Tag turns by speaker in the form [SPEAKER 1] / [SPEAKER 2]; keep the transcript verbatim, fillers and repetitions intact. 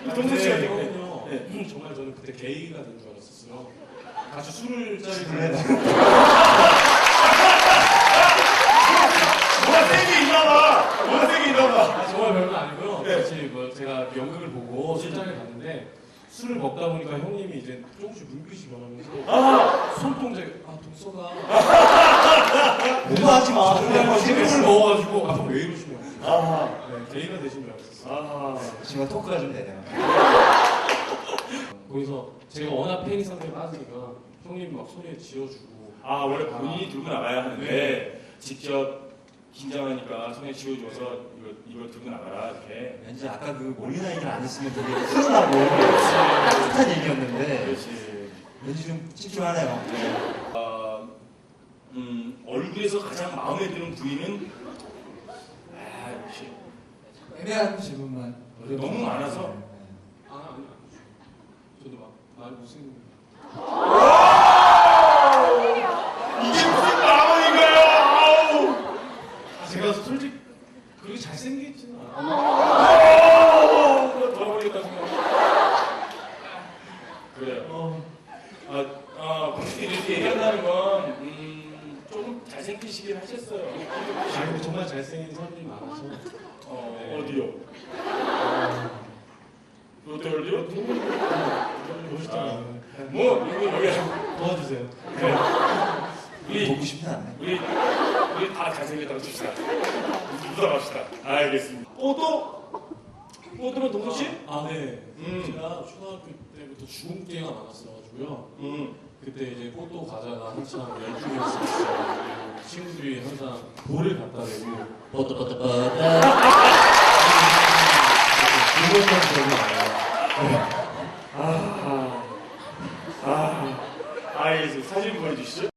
[SPEAKER 1] 동수 씨 같은
[SPEAKER 2] 경우는요.
[SPEAKER 1] 네.
[SPEAKER 2] 네. 정말 저는 그때 게이가 된 줄 알았었어요. 같이 술을 짜리고
[SPEAKER 1] 뭐가 세게 있나봐. 뭐가 세게 있나봐.
[SPEAKER 2] 아, 정말 별거 아니고요.
[SPEAKER 1] 네.
[SPEAKER 2] 같이 뭐 제가 연극을 보고 술자리에 갔는데 술을 먹다 보니까 형님이 이제 조금씩 눈빛이 변하면서
[SPEAKER 1] 아,
[SPEAKER 2] 손동작이 아 독서가
[SPEAKER 3] 오버하지 마.
[SPEAKER 2] 정말 술을 먹어가지고 아, 왜 이러시냐고.
[SPEAKER 1] 아,
[SPEAKER 2] 네, 게이가 되신 줄 알았었어요.
[SPEAKER 1] 아,
[SPEAKER 3] 지금 토크가 좀 되네요.
[SPEAKER 2] 거기서 제가 워낙 팬이 상태에 빠지니까 형님이 막 소리에 지어주고
[SPEAKER 1] 아 원래 본인이 들고 나가야 하는데
[SPEAKER 2] 네.
[SPEAKER 1] 직접 긴장하니까 손에 쥐어줘서 이거 이거 들고 나가라 이렇게.
[SPEAKER 3] 왠지 아까 그 몰리나이를 안 했으면 되게 훈훈하고 따뜻한 얘기였는데
[SPEAKER 1] 그렇지.
[SPEAKER 3] 왠지 좀 찝찝하네요.
[SPEAKER 1] 어, 음 얼굴에서 가장 마음에 드는 부위는 아 역시
[SPEAKER 3] 애매한 질문만.
[SPEAKER 1] 너무 많아서.
[SPEAKER 2] 아 아니 아니 저도 막 말 무슨
[SPEAKER 1] 이게 무슨 마음인가요? 아우.
[SPEAKER 2] 아, 제가 솔직히 그렇게 잘생겼지는 않아요.
[SPEAKER 1] 아우. 돌아버리겠다 생각. 그래요.
[SPEAKER 2] 어,
[SPEAKER 1] 아, 아, 그렇게 이렇게 얘기한다는 건, 음, 조금 잘생기시긴 하셨어요.
[SPEAKER 2] 아 근데 정말 잘생긴 사람들이 많아서
[SPEAKER 1] 어,
[SPEAKER 2] 네.
[SPEAKER 1] 어디요? 롯데월드요?
[SPEAKER 2] 멋있잖아요.
[SPEAKER 1] 뭐, 이거 여기.
[SPEAKER 2] 도와주세요.
[SPEAKER 1] 그래. 우리,
[SPEAKER 3] 보고 싶진 않아요.
[SPEAKER 1] 우리, 우리 다 잘생겼다고 칩시다. 묻어갑시다. 알겠습니다. 뽀또? 뽀또면 동수 씨?
[SPEAKER 2] 아 네.
[SPEAKER 1] 음.
[SPEAKER 2] 제가 초등학교 때부터 주근깨가 많았어가지고요.
[SPEAKER 1] 음.
[SPEAKER 2] 그때 이제 꽃도 과자가 한참 열풍이었어요. 친구들이 항상 볼을 갖다 대고 뻗떠뻗떠뻗떠 그것만 기억이 나요.
[SPEAKER 1] 아, 아, 알겠습니다. 사진 보여주시죠.